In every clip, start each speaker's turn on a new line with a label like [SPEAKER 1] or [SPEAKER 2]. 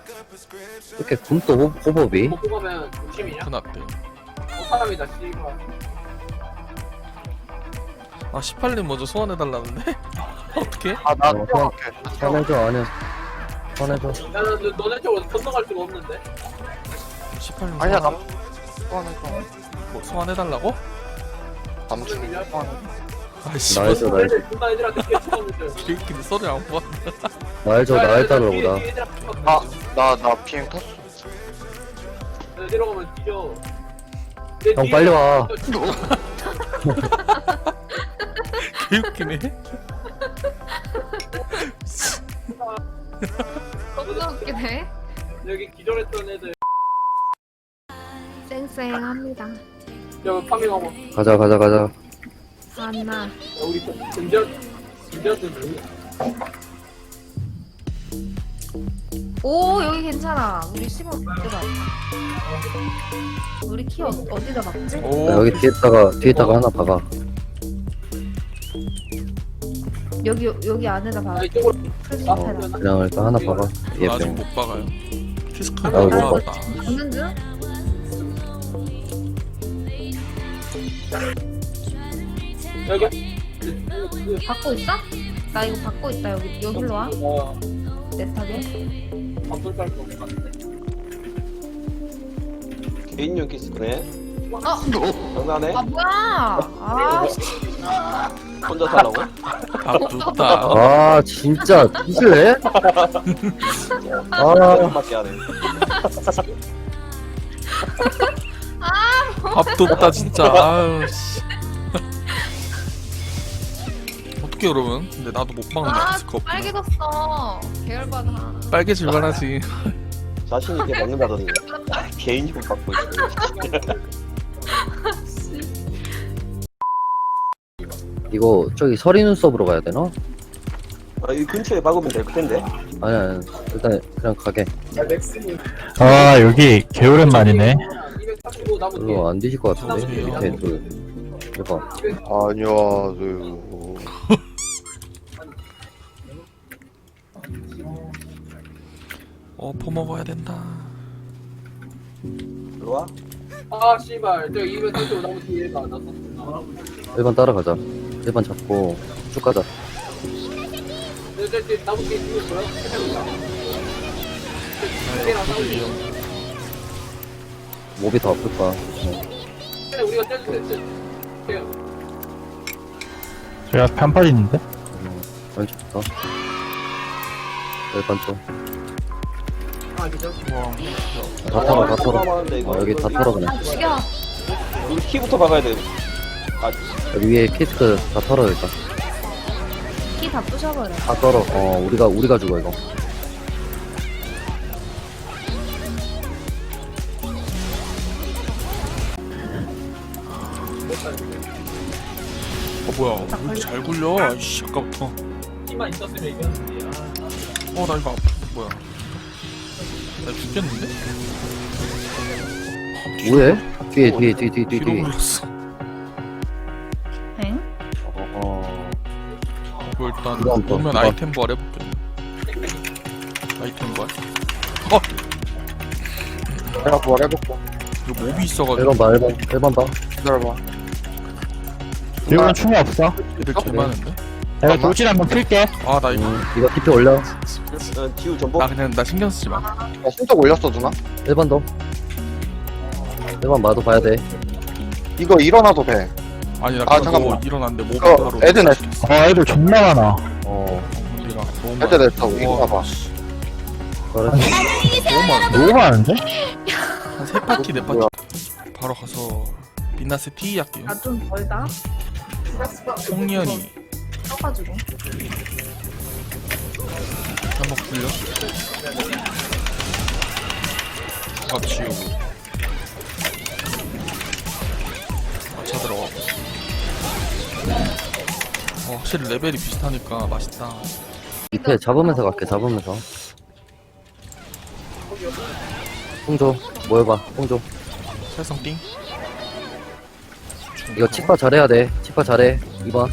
[SPEAKER 1] 이렇게 굶또 호법이?
[SPEAKER 2] 먹고 가면 조심이냐?
[SPEAKER 3] 큰일났대.
[SPEAKER 2] 사람이다 씨발.
[SPEAKER 3] 아 18님 먼저 소환해달라는데? 어떻게?
[SPEAKER 4] 아나
[SPEAKER 1] 어,
[SPEAKER 4] 뛰어갈게.
[SPEAKER 1] 꺼내줘 아니야 꺼내줘.
[SPEAKER 2] 야, 너네 쪽으로 건너갈 수가 없는데?
[SPEAKER 3] 18님
[SPEAKER 4] 아니야
[SPEAKER 3] 소환,
[SPEAKER 4] 남 소환해줘.
[SPEAKER 3] 뭐, 소환해달라고?
[SPEAKER 4] 남준이 소환해줘.
[SPEAKER 3] 아이씨
[SPEAKER 1] 나해줘 나해줘
[SPEAKER 2] 누나 애들한테 피해 죽었는데.
[SPEAKER 3] 개웃기네. 소리 안 보았네.
[SPEAKER 1] 나해줘 나해달라고 나.
[SPEAKER 4] 나 비행 탔어.
[SPEAKER 2] 내려가면 뒤져.
[SPEAKER 1] 형 빨리 와.
[SPEAKER 3] 개웃기네.
[SPEAKER 5] 겁나 웃기네.
[SPEAKER 2] 여기 기절했던 애들.
[SPEAKER 5] 쌩쌩합니다.
[SPEAKER 2] 야, 파밍하고.
[SPEAKER 1] 가자
[SPEAKER 5] 하나.
[SPEAKER 2] 우리 금지한테 뭐야?
[SPEAKER 5] 오, 여기 괜찮아. 우리 15 어디다? 우리 키 어디다 박지?
[SPEAKER 3] 오.
[SPEAKER 1] 나 여기 뒤에다가 하나 박아.
[SPEAKER 5] 여기 안에다 박아.
[SPEAKER 2] 아, 이쪽으로.
[SPEAKER 5] 풀숲에다.
[SPEAKER 1] 그냥 일단 하나 박아.
[SPEAKER 3] 나 아직
[SPEAKER 1] 예병.
[SPEAKER 3] 못 박아요. 키스카
[SPEAKER 1] 나도 못
[SPEAKER 3] 나왔다.
[SPEAKER 5] 박는 중?
[SPEAKER 2] 여기.
[SPEAKER 5] 받고 있어? 나 이거 받고 있다. 여기로 와. 내 탑에.
[SPEAKER 2] 밥돌 깔거 없는 것 같은데.
[SPEAKER 6] 개인용 키스크네.
[SPEAKER 5] 어?
[SPEAKER 6] 장난해?
[SPEAKER 5] 아 뭐야? 아,
[SPEAKER 6] 혼자 살라고?
[SPEAKER 3] 아 좋다.
[SPEAKER 1] 아 진짜 뒤질래? 아
[SPEAKER 6] 밖에 안 해.
[SPEAKER 3] 밥 뒀다 진짜. 아유 씨. 어떻게 그러면? 근데 나도 못 박는다.
[SPEAKER 5] 아,
[SPEAKER 3] 키스카 없구나.
[SPEAKER 5] 빨개졌어. 계열받아.
[SPEAKER 3] 빨개질만 하지.
[SPEAKER 6] 자신 있게 먹는다더니 개인용 받고 있어.
[SPEAKER 1] 이거 저기 서리 눈썹으로 가야 되나?
[SPEAKER 6] 아, 이 근처에 박으면 될 텐데.
[SPEAKER 1] 아니야 일단 그냥 가게.
[SPEAKER 7] 아 여기 개오랜만이네.
[SPEAKER 2] 245 나무 뒤에.
[SPEAKER 1] 별로 안 뒤질 것 같은데 밑에 대박.
[SPEAKER 4] 안녕하세요.
[SPEAKER 3] 퍼먹어야 된다.
[SPEAKER 6] 들어와.
[SPEAKER 2] 아, 씨발. 저 245 나무 뒤에 가. 나
[SPEAKER 1] 1번 따라가자. 1번 잡고 쭉 가자.
[SPEAKER 2] 저 나무 뒤에 죽을 거야?
[SPEAKER 1] 몹이 더 아플까?
[SPEAKER 2] 우리가 떼도 돼.
[SPEAKER 7] 제가 편팔 있는데?
[SPEAKER 1] 왼쪽부터 1번 쪽.
[SPEAKER 2] 아, 그죠?
[SPEAKER 3] 와.
[SPEAKER 1] 다 털어.
[SPEAKER 6] 하는데 이거.
[SPEAKER 1] 여기 다 털어 그냥.
[SPEAKER 5] 아, 죽여.
[SPEAKER 6] 우리 키부터 박아야 돼. 아,
[SPEAKER 1] 여기 위에 키스크 다 털어 일단.
[SPEAKER 5] 키 다 부셔버려.
[SPEAKER 1] 다 털어. 우리가 죽어 이거.
[SPEAKER 3] 뭐야? 왜 이렇게 잘 굴려? 아이씨 아까부터.
[SPEAKER 2] 힘만 있었으면 이겼는데.
[SPEAKER 3] 나 이거 뭐야? 나 죽겠는데?
[SPEAKER 1] 뭐해? 뒤에
[SPEAKER 3] 뒤로
[SPEAKER 1] 뒤에.
[SPEAKER 3] 굴렸어.
[SPEAKER 5] 엥?
[SPEAKER 3] 이거 일단
[SPEAKER 1] 이거 한 번,
[SPEAKER 3] 보면
[SPEAKER 1] 이거.
[SPEAKER 3] 아이템 부활 해볼게. 아이템 부활.
[SPEAKER 4] 내가 뭘 해볼게.
[SPEAKER 3] 이거 몹이 있어가지고
[SPEAKER 1] 1번 봐 1번 봐.
[SPEAKER 4] 기다려봐.
[SPEAKER 7] 이건 충이 없어.
[SPEAKER 3] 애들 개 많은데?
[SPEAKER 7] 내가 돌진 한번 필게.
[SPEAKER 3] 아 나 이거
[SPEAKER 1] 이거 TP 올려.
[SPEAKER 6] 지우 전복.
[SPEAKER 3] 나 신경 쓰지 마.
[SPEAKER 4] 나 신속 올렸어 누나.
[SPEAKER 1] 1번 더. 1번 마도 봐야 돼.
[SPEAKER 4] 이거 일어나도 돼.
[SPEAKER 3] 아니 나
[SPEAKER 4] 아,
[SPEAKER 3] 그거
[SPEAKER 4] 잠깐만.
[SPEAKER 3] 일어났는데 몹이
[SPEAKER 4] 이거
[SPEAKER 3] 바로
[SPEAKER 4] 애들 내-
[SPEAKER 7] 애들 존나 많아.
[SPEAKER 3] 우리가 너무 많아.
[SPEAKER 4] 애들 냈다고 이거
[SPEAKER 3] 우와,
[SPEAKER 4] 봐봐.
[SPEAKER 3] 씨.
[SPEAKER 1] 그래.
[SPEAKER 3] 너무 많아.
[SPEAKER 7] 너무 많은데?
[SPEAKER 3] 한 3바퀴 4바퀴 바로 가서 빛나스 T 할게요.
[SPEAKER 5] 나 좀 멀다.
[SPEAKER 3] 송년이
[SPEAKER 5] 써가지고.
[SPEAKER 3] 한번 굴려. 밥 지우고 마차 들어가고. 확실히 레벨이 비슷하니까 맛있다.
[SPEAKER 1] 밑에 잡으면서 갈게 잡으면서. 홍조 모여봐 홍조.
[SPEAKER 3] 살성 띵.
[SPEAKER 1] 이거 치파 잘해야 돼. 치파 잘해. 2번.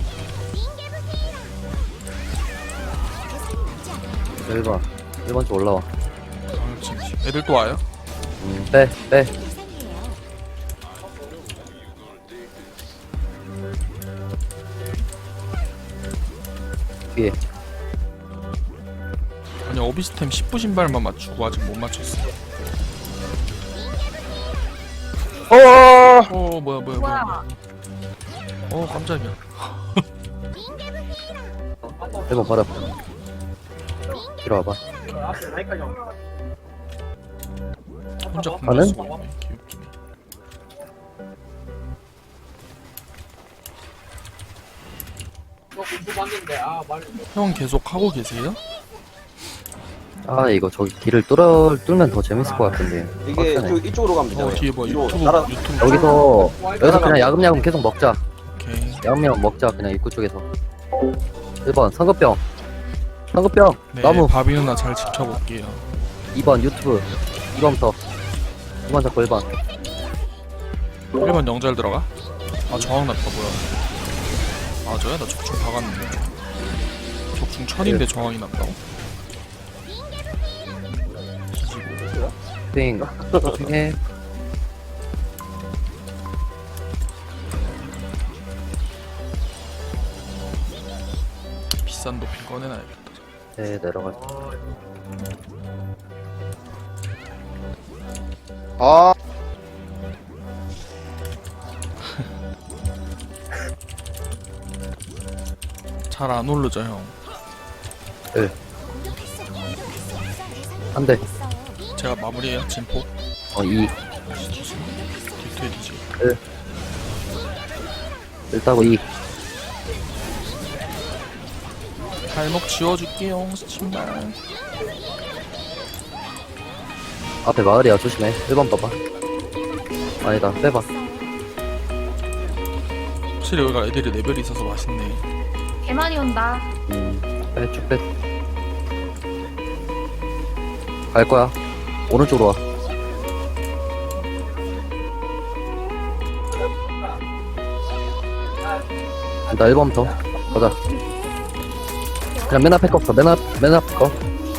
[SPEAKER 1] 1번 쪽 올라와.
[SPEAKER 3] 그렇지. 애들 또 와요?
[SPEAKER 1] 빼. 뒤에.
[SPEAKER 3] 아니 어비스템 10부 신발만 맞추고 아직 못 맞췄어. 뭐야.
[SPEAKER 5] 뭐야?
[SPEAKER 3] 깜짝이야.
[SPEAKER 1] 1번 버려. 뒤로 와봐.
[SPEAKER 3] 혼자
[SPEAKER 1] 가는?
[SPEAKER 3] 공략 쓰고 있네. 개웃기네.
[SPEAKER 2] 저 공부 봤는데 아 말.
[SPEAKER 3] 형 계속 하고 계세요?
[SPEAKER 1] 아, 이거 저기 길을 뚫면 더 재밌을 것 같은데.
[SPEAKER 6] 이게
[SPEAKER 1] 빡세네.
[SPEAKER 6] 이쪽으로 가면 되잖아요.
[SPEAKER 3] 뒤에 뭐
[SPEAKER 6] 뒤로
[SPEAKER 3] 유튜브
[SPEAKER 6] 따라
[SPEAKER 3] 유튜브
[SPEAKER 1] 여기서 그냥 야금야금 계속 먹자.
[SPEAKER 3] 오케이.
[SPEAKER 1] 야금야금 먹자, 그냥 입구 쪽에서. 1번, 상급병.
[SPEAKER 3] 네,
[SPEAKER 1] 나무.
[SPEAKER 3] 바비 누나 잘 지켜볼게요.
[SPEAKER 1] 2번, 유튜브. 2번부터. 2번 잡고 1번.
[SPEAKER 3] 1번 영절 들어가? 아 저항 났다 뭐야. 맞아요? 나 적중 박았는데. 적중 천인데 저항이 났다고?
[SPEAKER 1] 핑. 핑해.
[SPEAKER 3] 비싼 도핑 꺼내놔야겠다.
[SPEAKER 1] 네, 내려가.
[SPEAKER 4] 아,
[SPEAKER 3] 잘 안 오르죠 형.
[SPEAKER 1] 한 대.
[SPEAKER 3] 제가 마무리해요 진포.
[SPEAKER 1] 2.
[SPEAKER 3] 뒤트에 뒤지.
[SPEAKER 1] 1 따고 2.
[SPEAKER 3] 발목 지워줄게요 신발.
[SPEAKER 1] 앞에 마을이야, 조심해. 1번 봐봐. 아니다, 빼봐.
[SPEAKER 3] 확실히 여기가 애들이 레벨이 있어서 맛있네.
[SPEAKER 5] 개 많이 온다.
[SPEAKER 1] 빼, 쭉 빼. 갈 거야. 오른쪽으로 와. 일단 1번부터. 가자. 그냥 맨 앞에 거부터, 맨 앞에 거.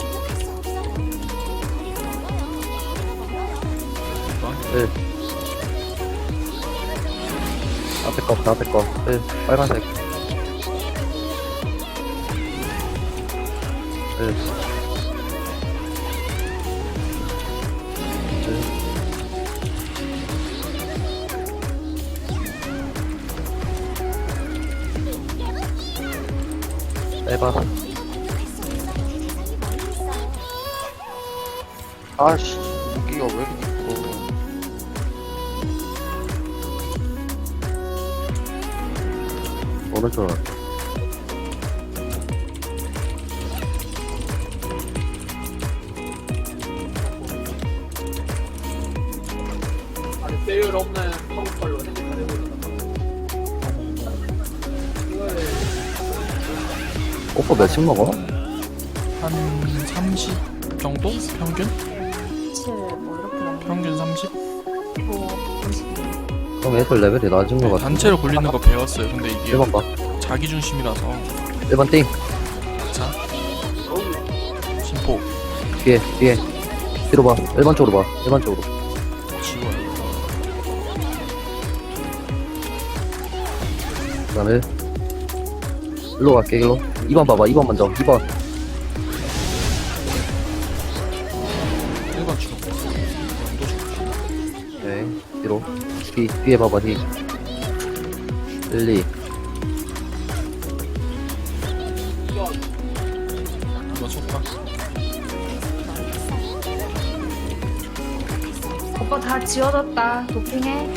[SPEAKER 1] 앞에 거, 앞에 거. 빨간색. 1. 빼봐.
[SPEAKER 4] 아씨, 무기가 왜 이렇게 이뻐.
[SPEAKER 1] 오른쪽으로.
[SPEAKER 2] 아니 배열 없는 한국발로 생각하려고
[SPEAKER 1] 오빠 몇씩 먹어?
[SPEAKER 3] 한 30 정도? 평균?
[SPEAKER 5] 7, 뭐 이렇게 먹는
[SPEAKER 3] 평균 30?
[SPEAKER 5] 거 음식이.
[SPEAKER 1] 그럼 애들 레벨이 낮은 거
[SPEAKER 3] 네,
[SPEAKER 1] 같아.
[SPEAKER 3] 단체로 굴리는 거 배웠어요. 근데 이게
[SPEAKER 1] 1번 봐.
[SPEAKER 3] 자기 중심이라서.
[SPEAKER 1] 1번 띵.
[SPEAKER 3] 자 진포
[SPEAKER 1] 뒤에. 뒤로 봐. 1번 쪽으로 봐. 1번 쪽으로.
[SPEAKER 3] 지워요.
[SPEAKER 1] 그 다음에 일로 갈게, 일로. 2번 봐봐. 2번 먼저. 2번.
[SPEAKER 3] 1번 주로 연도 좋고.
[SPEAKER 1] 오케이. 뒤로. 뒤에 봐봐, 뒤. 1, 2.
[SPEAKER 3] 2번 속박.
[SPEAKER 5] 오빠 다 지워졌다. 도핑해.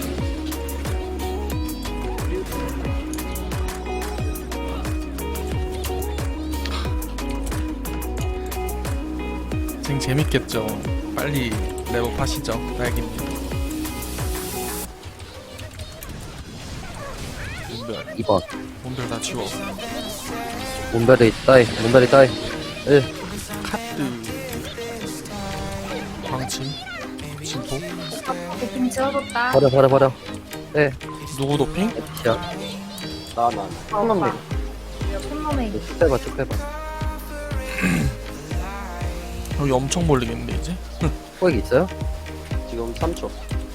[SPEAKER 3] 쟁 재밌겠죠. 빨리 랩업 하시죠. 딸기님. 몸별
[SPEAKER 1] 2번.
[SPEAKER 3] 몸별 다 지워.
[SPEAKER 1] 문베리 따이. 1.
[SPEAKER 3] 카드 광침 진포.
[SPEAKER 5] 도핑 지워졌다.
[SPEAKER 1] 버려. 네.
[SPEAKER 3] 누구 도핑?
[SPEAKER 1] 야,
[SPEAKER 6] 나
[SPEAKER 5] 오빠. 손놈에
[SPEAKER 1] 쭉 빼봐.
[SPEAKER 3] 여기 엄청 몰리겠는데 이제?
[SPEAKER 1] 포획 있어요?
[SPEAKER 6] 지금 3초.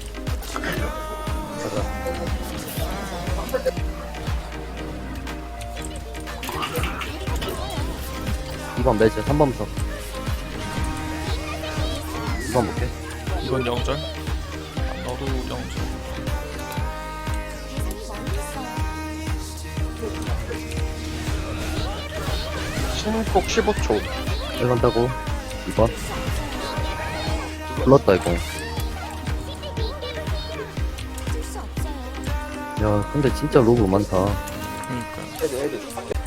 [SPEAKER 1] 이번 매즈 3번부터 2번 볼게.
[SPEAKER 3] 이건 영절. 너도 영절.
[SPEAKER 4] 신폭 15초.
[SPEAKER 1] 1번 따고 2번 불렀다 이거. 야 근데 진짜 로그 많다.
[SPEAKER 3] 그러니까.
[SPEAKER 6] 애들.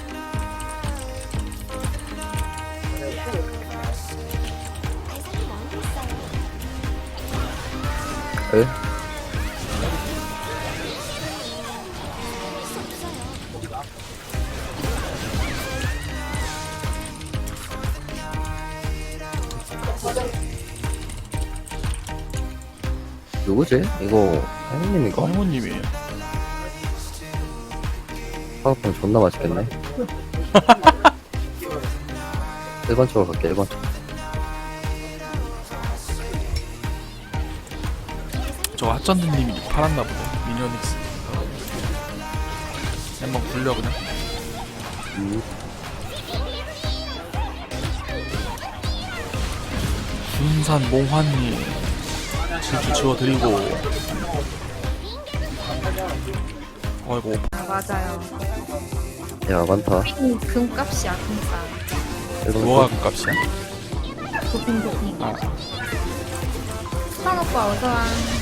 [SPEAKER 1] 에? 누구지? 이거 행님인가?
[SPEAKER 3] 할머님이에요.
[SPEAKER 1] 파워폰 존나 맛있겠네. 1번 쪽으로 갈게. 1번 쪽.
[SPEAKER 3] 저 핫전드님이 팔았나 보네. 미니언닉스. 한번 굴려 그냥. 군산 몽환님 질주 지워드리고. 어이구.
[SPEAKER 5] 아, 맞아요.
[SPEAKER 1] 야 많다.
[SPEAKER 5] 금값이야, 금값.
[SPEAKER 1] 1번
[SPEAKER 3] 뭐가
[SPEAKER 1] 쪽.
[SPEAKER 3] 그 값이야?
[SPEAKER 5] 도핑.
[SPEAKER 3] 아,
[SPEAKER 5] 수산 오빠 어서와.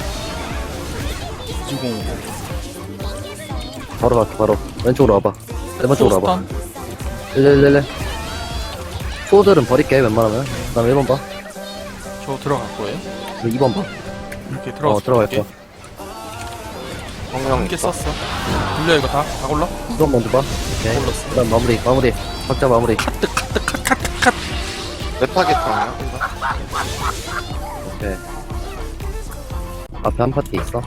[SPEAKER 3] 20.
[SPEAKER 1] 바로 갈게. 바로 왼쪽으로 와봐. 1번 쪽으로 와봐.
[SPEAKER 3] 소스탄?
[SPEAKER 1] 111. 소들은 버릴게 웬만하면. 그 다음에 1번 봐.
[SPEAKER 3] 저 들어갈 거예요?
[SPEAKER 1] 그리고 2번 봐.
[SPEAKER 3] 이렇게 들어가서
[SPEAKER 1] 들어갈
[SPEAKER 3] 볼게.
[SPEAKER 1] 거야.
[SPEAKER 3] 한개 썼어. 굴려 이거 다 골라?
[SPEAKER 1] 2번 먼저 봐. 오케이.
[SPEAKER 3] 골랐어.
[SPEAKER 1] 그 다음 마무리. 각자 마무리.
[SPEAKER 4] 몇 타겟이야?
[SPEAKER 1] 오케이. 앞에 한 파티 있어.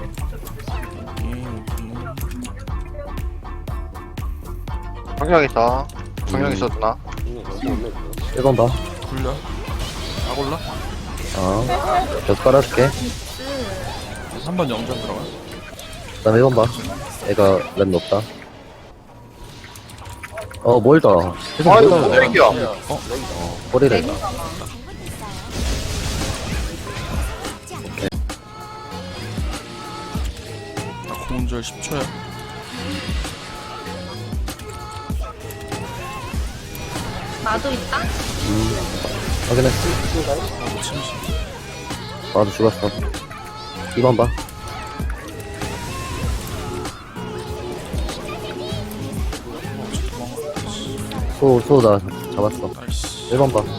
[SPEAKER 4] 정령이다. 정령 있었나?
[SPEAKER 1] 1번 봐.
[SPEAKER 3] 굴려. 다 골라?
[SPEAKER 1] 몇 깔아줄게.
[SPEAKER 3] 3번 영전 들어가.
[SPEAKER 1] 그 다음에 1번 봐. 애가 랩 높다. 멀다. 계속
[SPEAKER 4] 아이고,
[SPEAKER 1] 멀다.
[SPEAKER 4] 쓰레기야.
[SPEAKER 3] 어?
[SPEAKER 1] 버리래.
[SPEAKER 3] 나 공절 10초야.
[SPEAKER 5] 나도 있다?
[SPEAKER 1] 확인했어.
[SPEAKER 3] 나도 침실.
[SPEAKER 1] 나도 죽었어. 2번 봐. 소 나 잡았어.
[SPEAKER 3] 나이스.
[SPEAKER 1] 1번 봐.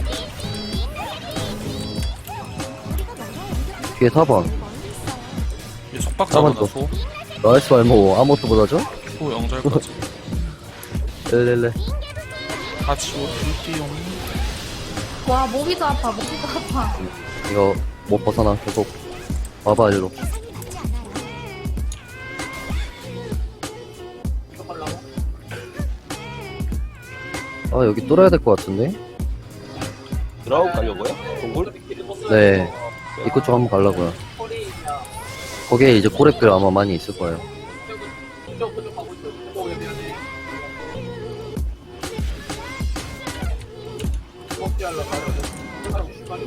[SPEAKER 1] 뒤에 4번.
[SPEAKER 3] 얘 속박자구나
[SPEAKER 1] 또.
[SPEAKER 3] 소.
[SPEAKER 1] 나이스 말모 아무것도 못하죠?
[SPEAKER 3] 소 영절까지.
[SPEAKER 1] 111.
[SPEAKER 3] 다 지워 줄게요.
[SPEAKER 5] 와, 목이도 아파, 목이도 아파.
[SPEAKER 1] 이거 못 벗어나. 계속 와봐 일로. 여기 뚫어야 될 것 같은데?
[SPEAKER 6] 드라우 가려고요? 동굴?
[SPEAKER 1] 네. 입구 쪽 한번 가려고요. 거기에 이제 고랩들 아마 많이 있을 거예요.
[SPEAKER 2] 그쪽 가고 있어. 그쪽 해야 돼. 먹지 않으려 가려.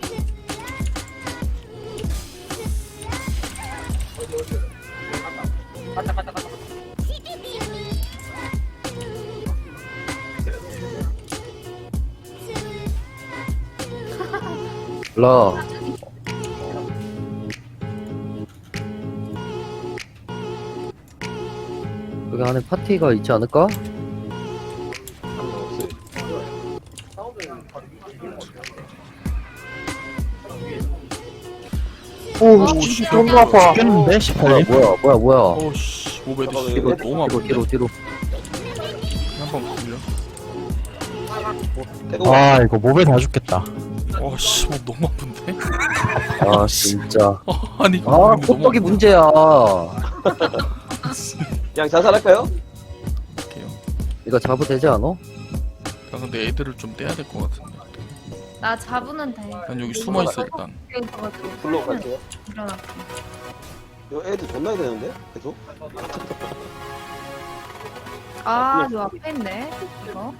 [SPEAKER 2] 갔다.
[SPEAKER 1] 라. 여기 안에 파티가 있지 않을까?
[SPEAKER 4] 오, 씨, 너무 아파.
[SPEAKER 7] 죽겠는데? 18님?
[SPEAKER 1] 뭐야.
[SPEAKER 3] 오씨 모베드
[SPEAKER 6] 잠깐만,
[SPEAKER 3] 이거
[SPEAKER 6] 이거
[SPEAKER 3] 너무 아픈데.
[SPEAKER 1] 뒤로.
[SPEAKER 3] 한번 굴려.
[SPEAKER 6] 태국
[SPEAKER 7] 아, 이거 몸에 다 죽겠다.
[SPEAKER 3] 어씨 뭐 너무 아픈데?
[SPEAKER 1] 아, 진짜.
[SPEAKER 3] 아니 이거
[SPEAKER 1] 아,
[SPEAKER 3] 너무
[SPEAKER 1] 호떡이
[SPEAKER 3] 아픈데.
[SPEAKER 1] 문제야.
[SPEAKER 6] 그냥 자살할까요?
[SPEAKER 3] 할게요.
[SPEAKER 1] 이거 잡아도 되지 않아?
[SPEAKER 3] 나 근데 애들을 좀 떼야 될 것 같은데.
[SPEAKER 5] 나 잡으면 돼.
[SPEAKER 3] 난 여기 숨어 있어 일단.
[SPEAKER 5] 있어가지고
[SPEAKER 6] 불러 갈게요.
[SPEAKER 5] 일어날게.
[SPEAKER 6] 이거 애들 존나 해야 되는데? 계속?
[SPEAKER 5] 아, 요 앞에 있네. 이거.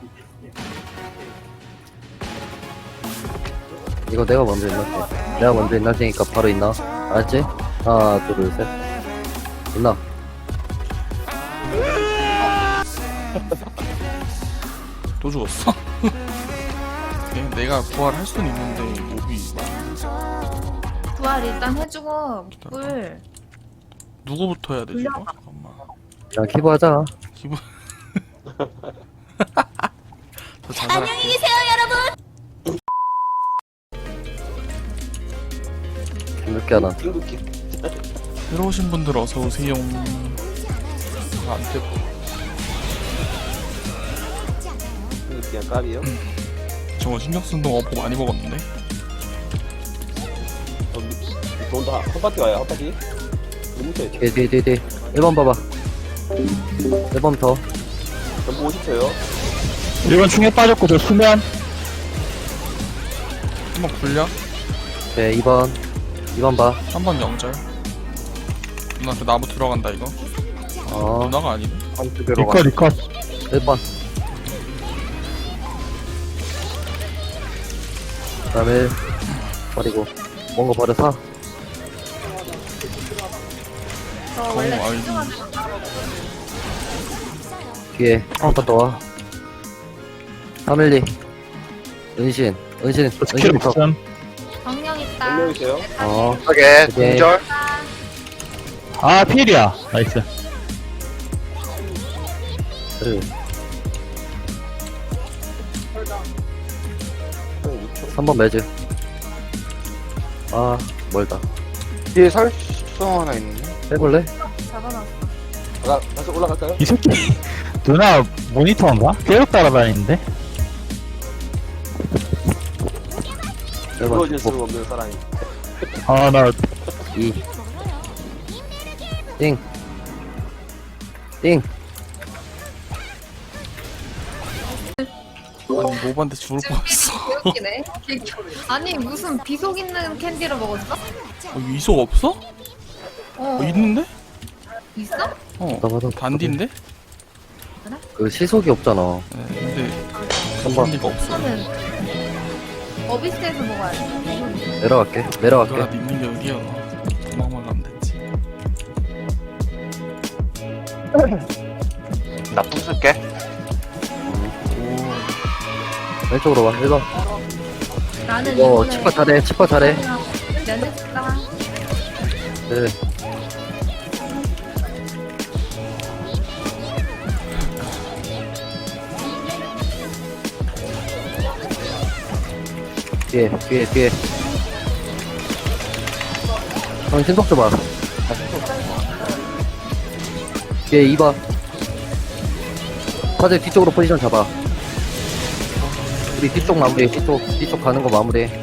[SPEAKER 1] 이거 내가 먼저 일날게. 내가 먼저 일날 테니까 바로 있나? 알았지? 하나, 둘, 셋. 있나?
[SPEAKER 3] 또 죽었어? 내가 부활할 수는 있는데 몹이
[SPEAKER 5] 부활 일단 해주고 물.
[SPEAKER 3] 누구부터 해야 되지 이거? 잠깐만.
[SPEAKER 1] 그냥 키보 하자.
[SPEAKER 3] 기분. 저 자살할게.
[SPEAKER 1] 늦게 하나.
[SPEAKER 6] 띵국기.
[SPEAKER 3] 새로 오신 분들 어서 오세요. 안 되고.
[SPEAKER 6] 띵국기한 까비요.
[SPEAKER 3] 저거 신경 쓴 동안 어퍼 많이 먹었는데.
[SPEAKER 6] 돈다 한 바퀴 와요 한 바퀴. 너무 쳐야 돼.
[SPEAKER 1] 뒤에. 1번 봐봐. 1번 더.
[SPEAKER 6] 전부 50초요.
[SPEAKER 7] 1번 충에 빠졌고 저 수면.
[SPEAKER 3] 한번 굴려.
[SPEAKER 1] 오케이, 2번. 2번 봐.
[SPEAKER 3] 3번 영절. 누나한테 나무 들어간다 이거. 누나가 아니네.
[SPEAKER 4] 한쪽으로
[SPEAKER 7] 리컷 리컷.
[SPEAKER 1] 1번. 그 다음에 1. 버리고. 뭔가 버려 사.
[SPEAKER 5] 저 원래
[SPEAKER 3] 아이고.
[SPEAKER 5] 집중하는
[SPEAKER 1] 뒤에 한 번 더 와. 312. 은신
[SPEAKER 7] 스킬
[SPEAKER 1] 부터.
[SPEAKER 7] 없음.
[SPEAKER 5] 정령 있다.
[SPEAKER 6] 몇명 있어요?
[SPEAKER 4] 하게
[SPEAKER 1] 오케이.
[SPEAKER 4] 동절.
[SPEAKER 7] 아 필이야. 나이스.
[SPEAKER 1] 그래. 3번 매즈. 아, 멀다.
[SPEAKER 4] 뒤에 살성 하나 있네.
[SPEAKER 1] 해볼래?
[SPEAKER 5] 잡아놨어.
[SPEAKER 6] 다시 올라갈까요?
[SPEAKER 7] 이 새끼 누나 모니터인가? 계속 따라다니는데?
[SPEAKER 6] 이루어질
[SPEAKER 1] 1번
[SPEAKER 6] 수 없는 사랑이.
[SPEAKER 7] 아 나
[SPEAKER 1] 2. 띵. 띵.
[SPEAKER 3] 아니 모반데 죽을 뻔했어.
[SPEAKER 5] 웃기네. 아니 무슨 비속 있는 캔디를 먹었어?
[SPEAKER 3] 이속 없어? 있는데?
[SPEAKER 5] 있어?
[SPEAKER 1] 나봐도
[SPEAKER 3] 단디인데?
[SPEAKER 1] 그 시속이 없잖아.
[SPEAKER 3] 네, 근데
[SPEAKER 1] 한번
[SPEAKER 3] 단디가 없어.
[SPEAKER 5] 저는 어비스에서 먹어야지.
[SPEAKER 1] 내려갈게.
[SPEAKER 3] 너가
[SPEAKER 1] 내려갈게.
[SPEAKER 3] 믿는 게 어디야? 도망만 가면 됐지.
[SPEAKER 4] 나 부술게.
[SPEAKER 3] 오,
[SPEAKER 1] 왼쪽으로 와. 1번.
[SPEAKER 5] 나는
[SPEAKER 1] 이거
[SPEAKER 5] 이번에
[SPEAKER 1] 치과 잘해.
[SPEAKER 5] 면접 갔다가
[SPEAKER 1] 네. 뒤에. 형, 신속 좀 봐. 뒤에 2번. 화재 뒤쪽으로 포지션 잡아. 우리 뒤쪽 마무리해. 뒤쪽 가는 거 마무리해.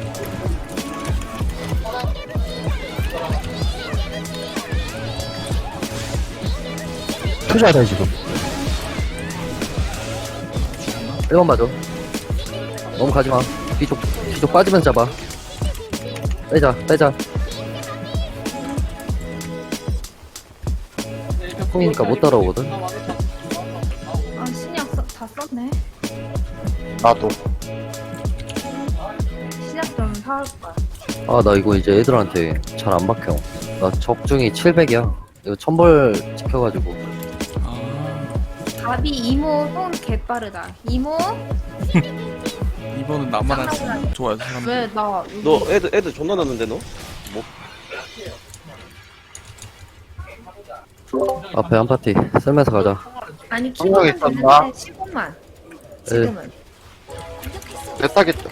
[SPEAKER 7] 투자다 지금.
[SPEAKER 1] 1번 봐줘. 너무 가지마. 뒤쪽 빠지면서 잡아. 빼자. 콩이니까 못 따라오거든.
[SPEAKER 5] 아 신약 다 썼네.
[SPEAKER 4] 나도.
[SPEAKER 5] 신약 좀 사올 거야.
[SPEAKER 1] 아, 나 이거 이제 애들한테 잘 안 박혀. 나 적중이 700이야. 이거 1000벌 지켜가지고.
[SPEAKER 3] 아
[SPEAKER 5] 가비 이모 손 개빠르다. 이모?
[SPEAKER 3] 이번은 나만 할 좋아요 사람.
[SPEAKER 5] 왜 나 여기
[SPEAKER 6] 너 애들 존나 났는데 너?
[SPEAKER 1] 앞에 한 파티 쓸면서 가자.
[SPEAKER 5] 아니
[SPEAKER 4] 성형이
[SPEAKER 5] 키로는
[SPEAKER 4] 있었나?
[SPEAKER 5] 되는데 15만. 지금은.
[SPEAKER 4] 내 따겠다.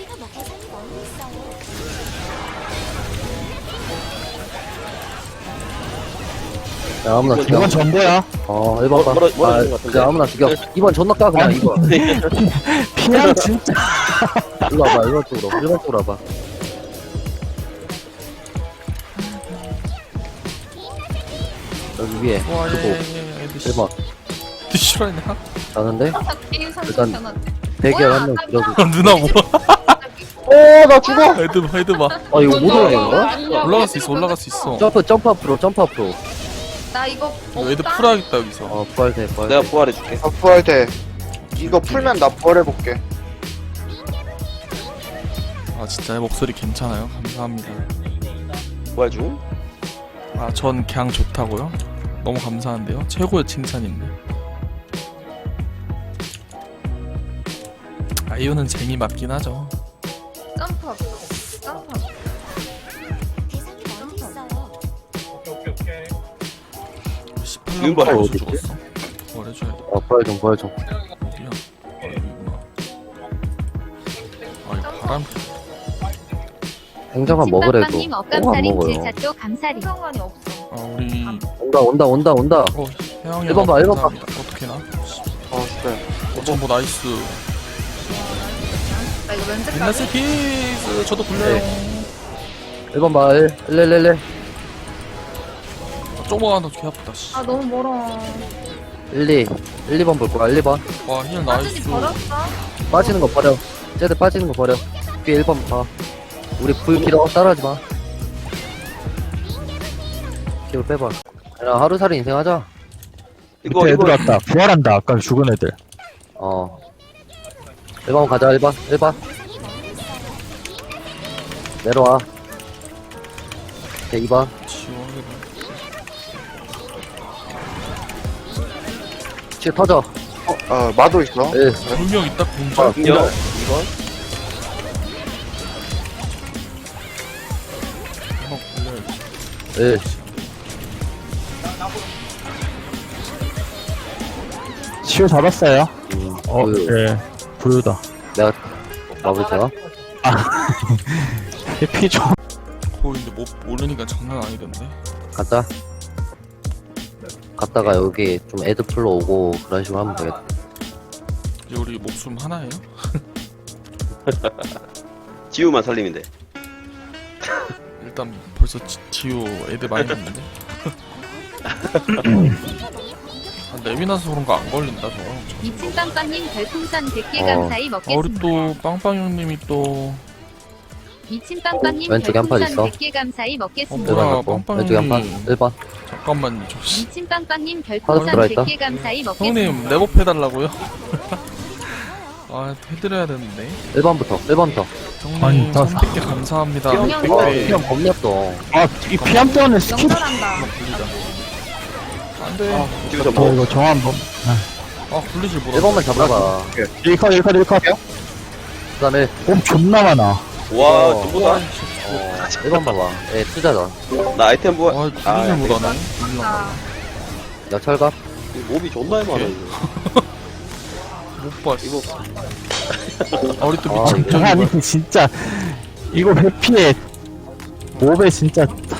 [SPEAKER 1] 야, 아무나 죽여.
[SPEAKER 7] 이건 전보야.
[SPEAKER 1] 1번 봐.
[SPEAKER 6] 뭐라 하는 것 같은데?
[SPEAKER 1] 야, 아무나 죽여. 2번 존나 까, 그냥 2번.
[SPEAKER 7] 피한 진짜.
[SPEAKER 1] 이거 와봐, 1번 쪽으로 와봐. 여기 위에.
[SPEAKER 3] 와
[SPEAKER 1] 그리고
[SPEAKER 3] 얘 애들
[SPEAKER 1] 1번.
[SPEAKER 3] 싫어했나?
[SPEAKER 1] 가는데?
[SPEAKER 5] 게임
[SPEAKER 1] 일단
[SPEAKER 5] 상승 변화.
[SPEAKER 1] 대기열 한명 줄여주고.
[SPEAKER 3] 누나 뭐?
[SPEAKER 4] 나 죽어.
[SPEAKER 3] 헤드 봐.
[SPEAKER 1] 아 이거 못 올라가는
[SPEAKER 3] 올라갈 수 있어.
[SPEAKER 1] 점프 앞으로 점프 앞으로.
[SPEAKER 5] 나 이거
[SPEAKER 3] 이거 애들
[SPEAKER 5] 없다.
[SPEAKER 3] 풀어야겠다 여기서.
[SPEAKER 1] 부활돼 부활.
[SPEAKER 6] 내가 부활해줄게.
[SPEAKER 4] 부활 돼. 이거 풀면 나 부활해볼게.
[SPEAKER 3] 아 진짜 내 목소리 괜찮아요? 감사합니다.
[SPEAKER 6] 부활 중.
[SPEAKER 3] 아 전 그냥 좋다고요? 너무 감사한데요? 최고의 칭찬인데. 아이유는 쟁이 맞긴 하죠.
[SPEAKER 5] 점프 없어. 점프 없어.
[SPEAKER 6] 윤 부활
[SPEAKER 3] 18년
[SPEAKER 1] 어디
[SPEAKER 3] 벌써 죽었어. 부활해줘야 돼.
[SPEAKER 1] 부활 좀.
[SPEAKER 3] 어디야? 아 여기구나. 아 이거 바람.
[SPEAKER 1] 행정만 먹으래도
[SPEAKER 8] 찐빵빵님
[SPEAKER 1] 안
[SPEAKER 8] 억감살인
[SPEAKER 1] 먹어요.
[SPEAKER 8] 질차도 감사리.
[SPEAKER 5] 상관이 없어.
[SPEAKER 3] 아 우리
[SPEAKER 1] 온다.
[SPEAKER 3] 혜영이
[SPEAKER 1] 일번 봐, 일번 봐.
[SPEAKER 3] 어떻게 나?
[SPEAKER 4] 그래.
[SPEAKER 3] 전부 나이스.
[SPEAKER 5] 나 이거 면접
[SPEAKER 3] 빈나스 키스 저도 굴려요.
[SPEAKER 1] 1번 봐 1
[SPEAKER 3] 쪼모 하나 개 아프다. 씨.
[SPEAKER 5] 아 너무 멀어.
[SPEAKER 1] 1 2번 볼 거야 1번
[SPEAKER 3] 와힐
[SPEAKER 5] 사진이
[SPEAKER 3] 나이스.
[SPEAKER 5] 버렸어.
[SPEAKER 1] 빠지는 거 버려. 쟤들 빠지는 거 버려. 뒤에 1번 봐. 우리 불 길어 따라하지 마. 기울 빼봐. 야 하루살이 인생하자.
[SPEAKER 6] 이거
[SPEAKER 7] 밑에 애들
[SPEAKER 6] 이거
[SPEAKER 7] 왔다. 부활한다. 아까 죽은 애들.
[SPEAKER 1] 1번 가자 1번 내려와. 오케이 2번
[SPEAKER 3] 지원이다.
[SPEAKER 1] 치 터져.
[SPEAKER 4] 마도 있어.
[SPEAKER 1] 1
[SPEAKER 3] 분명 있다 공절.
[SPEAKER 6] 중력. 이건
[SPEAKER 3] 한번 굴려야지.
[SPEAKER 1] 1
[SPEAKER 7] 치유 잡았어요.
[SPEAKER 1] 부유.
[SPEAKER 7] 예. 부유다.
[SPEAKER 1] 내가 마블 제가
[SPEAKER 7] 해피 좀.
[SPEAKER 3] 거인데 못 모르니까 장난 아니던데.
[SPEAKER 1] 가자. 갔다가 여기 좀 애들 풀러 오고 그런 식으로 하면 되겠다.
[SPEAKER 3] 이제 우리 목숨 하나예요?
[SPEAKER 6] 지우만 살리면 돼.
[SPEAKER 3] 일단 벌써 지우 애들 많이 났는데. 아, 내비나서 그런 거 안 걸린다 저거.
[SPEAKER 8] 미친빵빵님 별풍선 100개
[SPEAKER 1] 어.
[SPEAKER 8] 감사히
[SPEAKER 3] 아, 우리
[SPEAKER 8] 먹겠습니다.
[SPEAKER 3] 또 빵빵 형님이 또
[SPEAKER 8] 미친빵빵님
[SPEAKER 1] 왼쪽에 한판
[SPEAKER 8] 별풍선
[SPEAKER 1] 있어.
[SPEAKER 8] 100개 감사히 먹겠습니다.
[SPEAKER 3] 뭐야,
[SPEAKER 1] 1번 갖고
[SPEAKER 3] 빵빵
[SPEAKER 1] 왼쪽에 한판
[SPEAKER 3] 형님.
[SPEAKER 1] 1번
[SPEAKER 3] 잠깐만요 저 씨.
[SPEAKER 8] 미친빵빵님
[SPEAKER 1] 하나
[SPEAKER 8] 별풍선
[SPEAKER 1] 들어있다.
[SPEAKER 8] 100개 감사히 먹겠습니다.
[SPEAKER 3] 형님 랩업 해달라고요? 아 해드려야 되는데.
[SPEAKER 1] 1번부터
[SPEAKER 3] 형님
[SPEAKER 7] 아니, 다
[SPEAKER 3] 300개 감사합니다.
[SPEAKER 5] 그냥
[SPEAKER 3] 100개.
[SPEAKER 1] 그냥 겁냈어.
[SPEAKER 7] 아, 이 피암 때문에 스킵.
[SPEAKER 5] 영절한다.
[SPEAKER 3] 안돼.
[SPEAKER 6] 지우 좀
[SPEAKER 7] 저
[SPEAKER 6] 먹어.
[SPEAKER 7] 이거 정화 한 번.
[SPEAKER 3] 아 굴리질 못하.
[SPEAKER 1] 1번만 잡아봐.
[SPEAKER 7] 1컷.
[SPEAKER 1] 그 다음에
[SPEAKER 7] 몸 존나 많아.
[SPEAKER 6] 와 전부다.
[SPEAKER 1] 1번 봐봐. 예, 투자다.
[SPEAKER 6] 나 아이템 부활.
[SPEAKER 3] 아 굴리질 못하네.
[SPEAKER 5] 아,
[SPEAKER 1] 야, 철갑.
[SPEAKER 6] 이 몹이 존나 많아 이거.
[SPEAKER 3] 못 봤어.
[SPEAKER 6] 이거
[SPEAKER 3] 아 우리 또
[SPEAKER 1] 아,
[SPEAKER 3] 미친
[SPEAKER 1] 이거
[SPEAKER 3] 점
[SPEAKER 7] 아니 진짜 이거 회피에 몹에 진짜